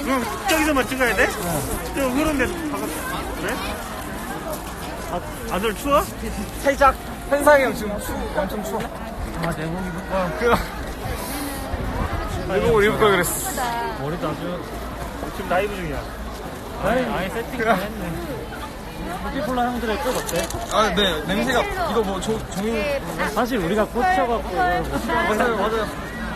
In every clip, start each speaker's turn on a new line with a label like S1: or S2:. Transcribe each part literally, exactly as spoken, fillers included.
S1: 그럼 저기서만 찍어야 돼? 저 흐른데 바깥 그래? 아, 아들 추워?
S2: 살짝 현상이 형 지금 추 엄청 추워.
S1: 아 내몸 입을까?
S2: 어, 그 내몸을 입을 걸 그랬어.
S1: 머리도 아주 지금 라이브 중이야. 아예 아예 세팅 다 했네. 뷰티폴라 형들의 꽃 어때?
S2: 아, 네 냄새가 이거 뭐 조, 종이
S1: 사실 우리가 꽂혀갖고 이걸 못
S2: 맞아요 맞아요.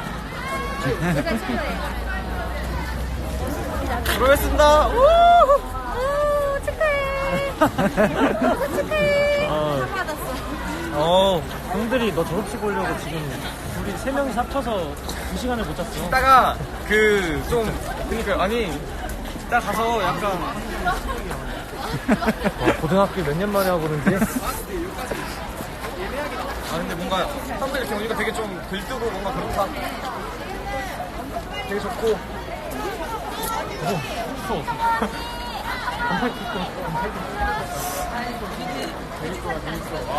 S2: 들어가겠습니다.
S3: 오, 축하해. 축하해.
S1: 어,
S3: 받았어.
S2: 어
S1: 형들이 너 졸업식 오려고 지금 우리 세 명이 합쳐서 두 시간을 못 잤어.
S2: 이따가 그 좀 그러니까 아니 이따 가서 약간
S1: 어, 고등학교 몇 년 만에 하고 그런지.
S2: 아 근데 뭔가 사람들 이렇게 오니까 되게 좀 들뜨고 뭔가 그렇다. 되게 좋고.
S1: 추워. 반팔 입고 반팔 입고. 재밌어 재밌어. 와.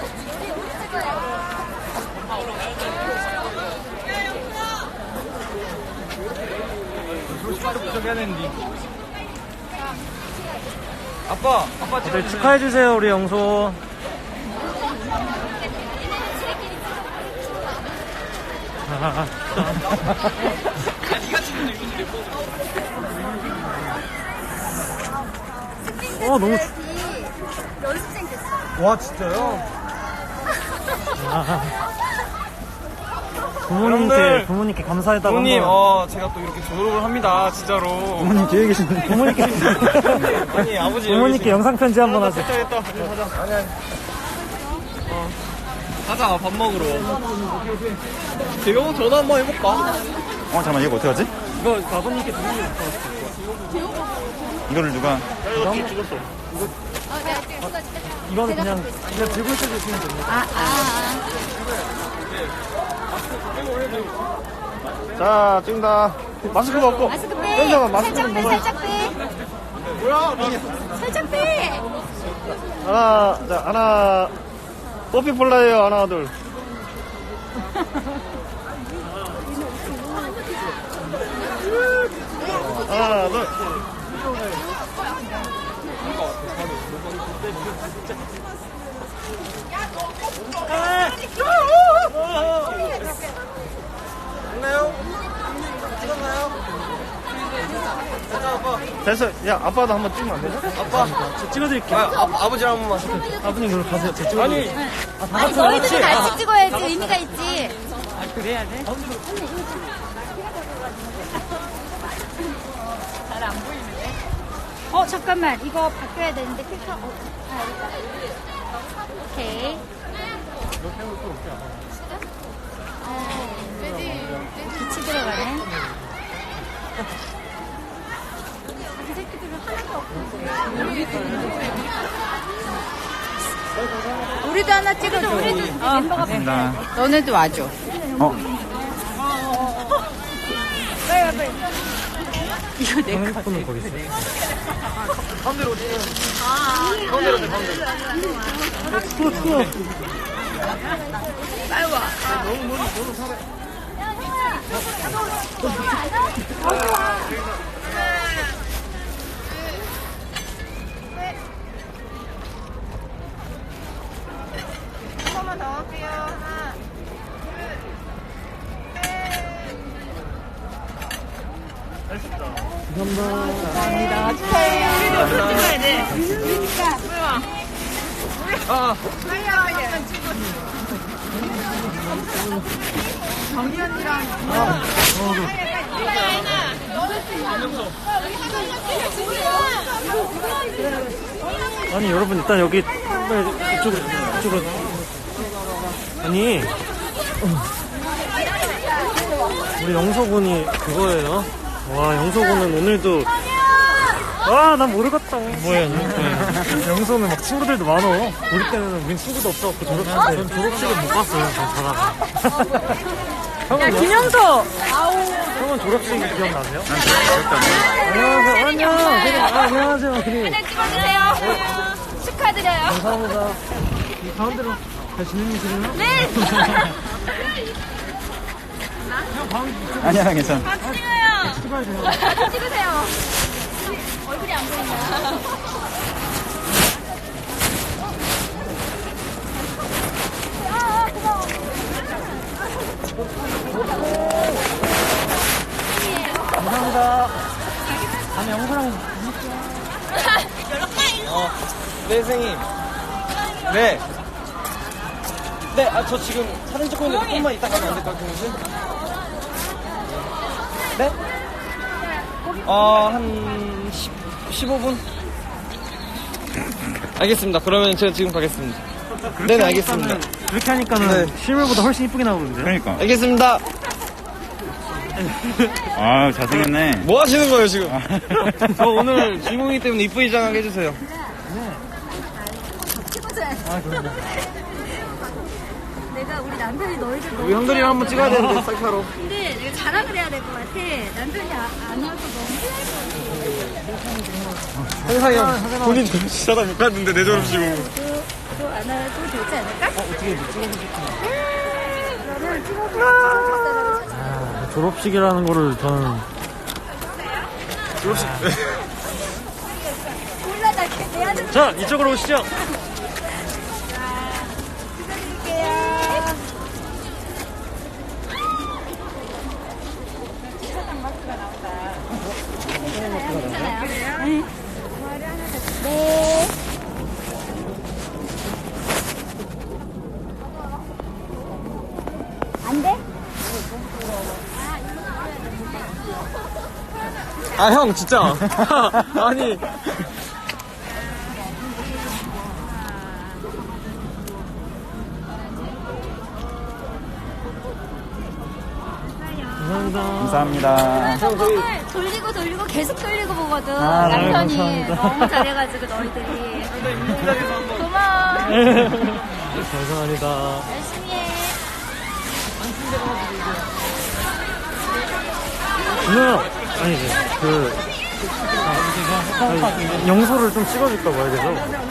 S2: 졸업식도 무조건 해야 되는데. 아빠, 아빠
S1: 다들 축하해주세요 우리 영소. 어 너무
S3: 연습생 됐어.
S2: 와 진짜요?
S1: 부모님께
S2: 여러분들,
S1: 부모님께 감사하다고
S2: 부모님,
S1: 한번.
S2: 어 제가 또 이렇게 졸업을 합니다 진짜로.
S1: 부모님 뒤에 계시는데 부모님께
S2: 아니 아버지
S1: 부모님께 영상 편지 한번 하세요.
S2: 됐다 됐다. 가자. 아니 아니. 어 가자 밥 먹으러. 재경 전화 한번 해볼까?
S4: 어 잠깐만 이거 어떻게 하지?
S1: 이거 아버님께 드리는 거.
S4: 이거를 누가
S1: 이거 한번 찍었어.
S3: 어, 내가 찍어줄게.
S1: 이거는 그냥 그냥 들고 있어 주시면 됩니다.
S3: 아, 아.
S1: 자 찍는다. 마스크 벗고.
S3: 마스크 빼.
S1: 현정아, 마스크
S3: 살짝
S1: 좀
S3: 빼,
S1: 벗어.
S3: 살짝 빼.
S2: 뭐야?
S3: 살짝 빼.
S1: 하나, 자, 하나. 뽀삐폴라예요, 하나, 둘. 하나, 둘.
S2: 됐나요? 찍었나요? 됐다 아빠.
S1: 됐어. 야, 아빠도 한번 찍으면 안 되죠?
S2: 아빠.
S1: 저 찍어드릴게요.
S2: 아, 아 아버지랑 한 번만.
S1: 아버님, 그럼 가세요. 저 찍어드릴게요.
S2: 아니.
S1: 아, 다
S3: 아니,
S1: 같이
S3: 저희도
S1: 같이.
S3: 같이 찍어야지 의미가 있지.
S1: 그래야 돼?
S3: 어, 잠깐만. 이거 바뀌어야 되는데 필터. 어, 아, 여기다. 오케이. 빛이 들어가네. 이 새끼들은 하나도 없고. 우리도 하나 찍어줘. 우리도 멤버가
S4: 감사합니다.
S3: 너네도 와줘.
S4: 어
S3: 빨리 와, 빨리. 이거 내
S1: 핸드폰은 거기 있어.
S2: 가운데로 오세요. 가운데로 오세요, 가운데로.
S1: 추워, 추워.
S3: 빨리 와.
S5: 한 번만 더 할게요. 하나,
S1: 감사합니다.
S2: 아,
S5: 빨리 와, 빨리. 정기 언니랑.
S1: 아니, 여러분, 일단 여기, 빨리 이쪽으로, 이쪽으로. 아니, 우리 영서군이 그거예요. 와, 영서군은 오늘도. 아, 난 모르겠다. 뭐야, 영서는 막 친구들도 많어. 우리 때는 우린 친구도 없어갖고 졸업식, 전 졸업식을 못 갔어요. 전 자다가. 형은 김영서! 형은 졸업식 기억나세요? 안녕하세요. 안녕. 아, 안녕하세요. 우리.
S3: 사진 찍어주세요. 축하드려요.
S1: 감사합니다. 이 가운데로 잘 지내시나요?
S3: 네.
S4: 아니야 괜찮아.
S3: 찍어요.
S1: 찍어야 돼요.
S3: 찍으세요. 얼굴이 안 보이냐. 아, 고마워.
S1: 감사합니다. 다음에 영수랑
S2: 어, 네, 선생님. 네. 네, 아, 저 지금 사진 찍고 있는데 조금만 이따 가면 안 될까요, 교무실? 네? 어, 한 십, 십오 분? 알겠습니다. 그러면 제가 지금 가겠습니다. 네네, 알겠습니다.
S1: 그렇게 하니까는
S2: 네.
S1: 실물보다 훨씬 이쁘게 나오는데.
S4: 그러니까.
S2: 알겠습니다.
S4: 아, 잘생겼네.
S2: 뭐 하시는 거예요, 지금? 저 오늘 주인공이기 때문에 이쁘게 장하게 해주세요.
S1: 아, 그럼요.
S3: 내가 우리 남편이 너희들 너무
S2: 우리 형들이랑 한번 찍어야 되는데, 셀카로.
S3: 근데 내가 자랑을 해야 될 것 같아. 남편이 아, 안 와서 너무
S2: 형상이 형, 본인 졸업식하다 못 갔는데, 내 졸업식으로.
S3: 또안 와도 되지 않을까?
S1: 어, 어떻게 못 찍어주셨구나.
S3: 그러면 찍어보자.
S1: 아, 졸업식이라는 거를 저는.
S2: 졸업식.
S3: 몰라, 나 내 아들
S1: 자, 이쪽으로 오시죠.
S3: 찍어드릴게요. 네. 네. 안 돼?
S2: 아, 형, 진짜. 아니.
S1: 감사합니다.
S4: 감사합니다.
S3: 정말 돌리고 돌리고 계속 돌리고 보거든.
S1: 아, 네,
S3: 남편이
S1: 감사합니다.
S3: 너무 잘해가지고 너희들이. 고마워.
S1: 감사합니다.
S3: 열심히 해.
S1: 누나, 아니지. 그, 아, 영소를 좀 찍어줄까 봐야 돼서.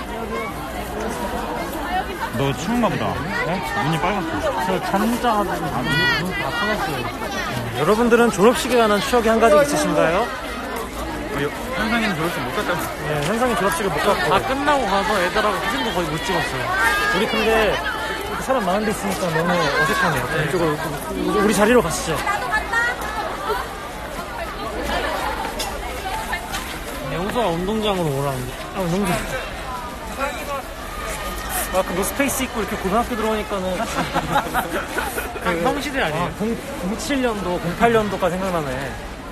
S4: 너 추운가 보다. 네? 눈이 빨갛다.
S1: 저 잠자, 아, 눈, 눈다 파갔어요. 여러분들은 졸업식에 관한 추억이 한 가지 있으신가요?
S4: 현상이는 졸업식 못 갔다.
S1: 네, 현상이 졸업식을 못 갔고. 다 끝나고 가서 애들하고 사진도 거의 못 찍었어요. 우리 근데 이렇게 사람 많은 데 있으니까 너무 어색하네요. 이쪽으로, 우리 자리로 가시죠. 영수가 운동장으로 오라는데. 아, 운동장. 아, 그 노스페이스 입고 이렇게 고등학교 들어오니까는. 그 형시대 아니에요? 공칠 년도, 공팔 년도가 생각나네.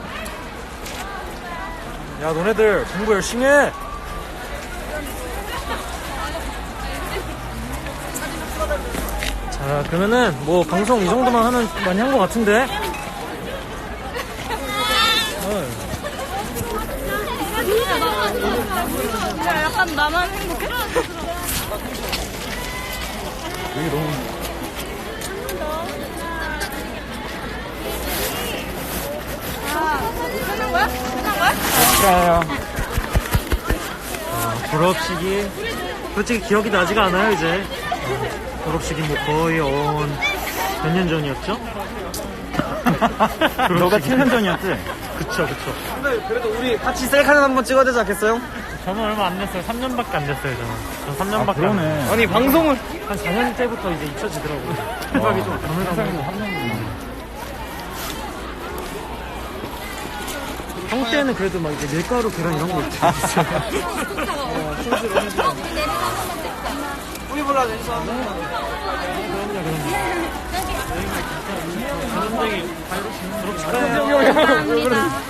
S1: 야, 너네들 공부 열심히 해! 자, 그러면은 뭐 방송 이 정도만 하면 많이 한 것 같은데? 어.
S3: 야, 약간 나만 행복해?
S1: 여기 너무.
S3: 끝난 거야? 끝난 거야?
S4: 그래요.
S1: 아, 졸업식이 솔직히 기억이 나지가 않아요 이제. 어, 졸업식이 뭐 거의 온 몇 년 전이었죠?
S4: 너가 칠 년 전이었지?
S1: 그쵸 그쵸.
S2: 근데 그래도 우리 같이 셀카는 한번 찍어야 되지 않겠어요?
S1: 저는 얼마 안 됐어요. 삼 년밖에 안 됐어요 저는. 전 삼
S4: 아,
S1: 년밖에 안 됐어요.
S4: 그러네.
S2: 아니, 방송을.
S1: 한 사 년 때부터 이제 잊혀지더라고요. 생각이 좀 가물가물. 형 때는 그래도 막 이제 밀가루 계란 이런 거 있죠.
S2: 우리 몰라, 인사.
S1: 사람들이 졸업식하네요.
S3: 감사합니다.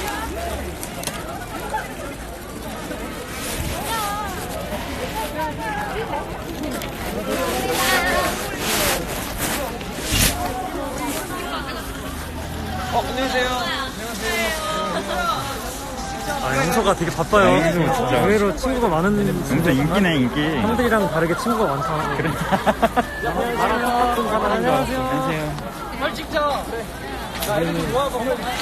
S2: 어, 안녕하세요.
S1: 아, 영서가 되게 바빠요.
S4: 네, 진짜.
S1: 의외로 친구가 많은
S4: 진짜 인기네, 인기.
S1: 형들이랑 다르게 친구가 많다. 그래. 나랑 똑같은 사람인 줄 알았어.
S4: 안녕하세요.
S2: 빨리 찍자. 자, 이렇게 모아서.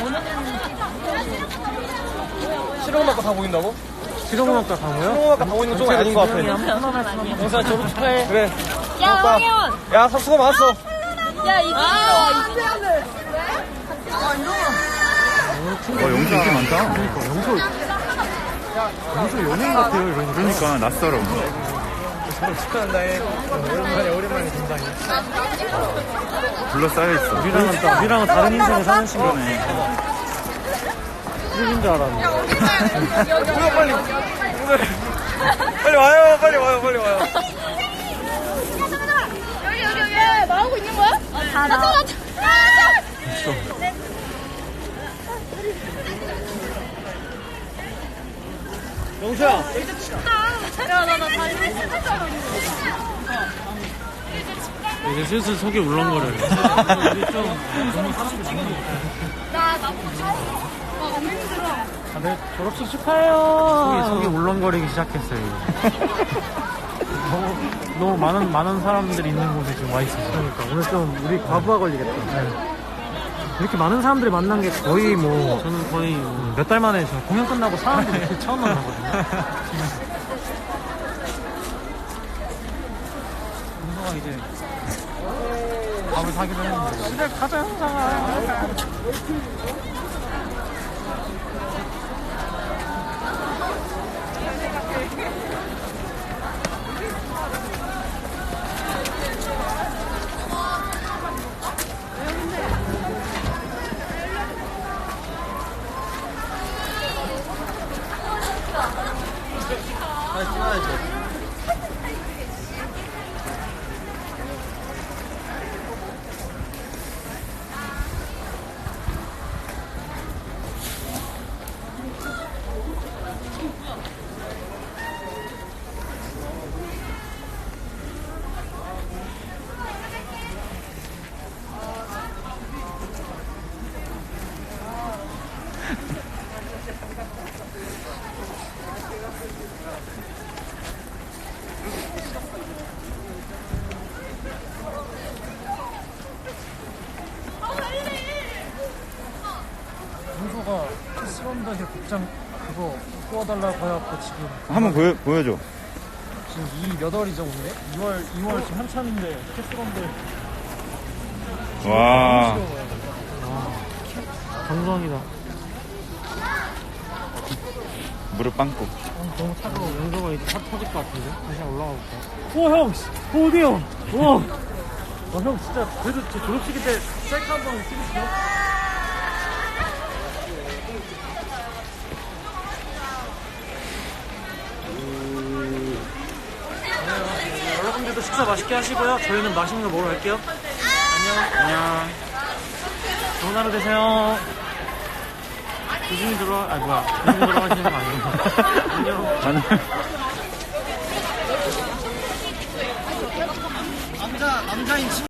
S2: 실용음악과 다 보인다고?
S1: 실용음악과 강호요?
S2: 실용음악과 다 보이는 쪽은 아닌 것 같아. 영사 졸업 축하해. 그래.
S3: 야,
S2: 고맙다.
S3: 황현!
S2: 야, 수고 많았어.
S3: 야, 이거. 아,
S1: 오,
S4: 어, 영수 인기 많다.
S1: 그러니까 영소 영소 연예인 같아요. 이러니까.
S4: 그러니까 낯설어.
S2: 축하한다 해.
S1: 오랜만에 오랜만에 등장해.
S4: 둘러싸여 있어.
S1: 우리랑은 또 우리랑은 다른 인생을 사는 친구네. 누구인 줄 알았네.
S2: 뭐야 빨리. 빨리 와요. 빨리 와요. 빨리 와요.
S3: 여기 여기 여기 뭐 하고 있는 거야? 다 나.
S1: 영수야.
S3: 야나나 다리 찢었잖아.
S1: 이제 슬슬 속이 울렁거려요. 우리 좀 너무 사람들 많은 것 같아요.
S3: 나 나보고 차. 아 너무 힘들어.
S1: 다들 졸업식 축하해요. 속이, 속이 울렁거리기 시작했어요. 너무, 너무 많은 많은 사람들이 있는 곳에 지금 와 있어요. 그러니까 오늘 좀 우리 과부하 걸리겠다. 네. 이렇게 많은 사람들이 만난 게 거의 뭐 저는 거의 몇 달 만에 저 공연 끝나고 사람들이 이렇게 처음 만나거든요. 동서가 이제 밥을 사기로 했는데 집에 가자 형사가.
S2: 빨리 찍어야지.
S1: 동서가 키스런더의 복장 그거 구워달라고 해갖고 지금
S4: 한번 보여, 보여줘.
S1: 지금 이 몇 월이죠 오늘? 이월 이월 지금 한참인데 키스런더
S4: 와.
S1: 감성이다.
S4: 무릎 빵꾸.
S1: 어, 너무 차가워. 영서가 이제 차 터질 것 같은데? 다시 한번 올라가 볼까? 오, 형! 어, 어디요? 와! 와, 형 진짜 그래도 제 졸업식일 때 셀카 한 번 찍으시죠? 네, 여러분들도 식사 맛있게 하시고요. 저희는 맛있는 거 먹으러 갈게요. 안녕. 안녕. 좋은 하루 되세요. 조심히 들어와, 아, 뭐야. 조심히 들어가시는 거 아니에요? 안녕.
S4: 나는
S2: 남자 남자인 친구.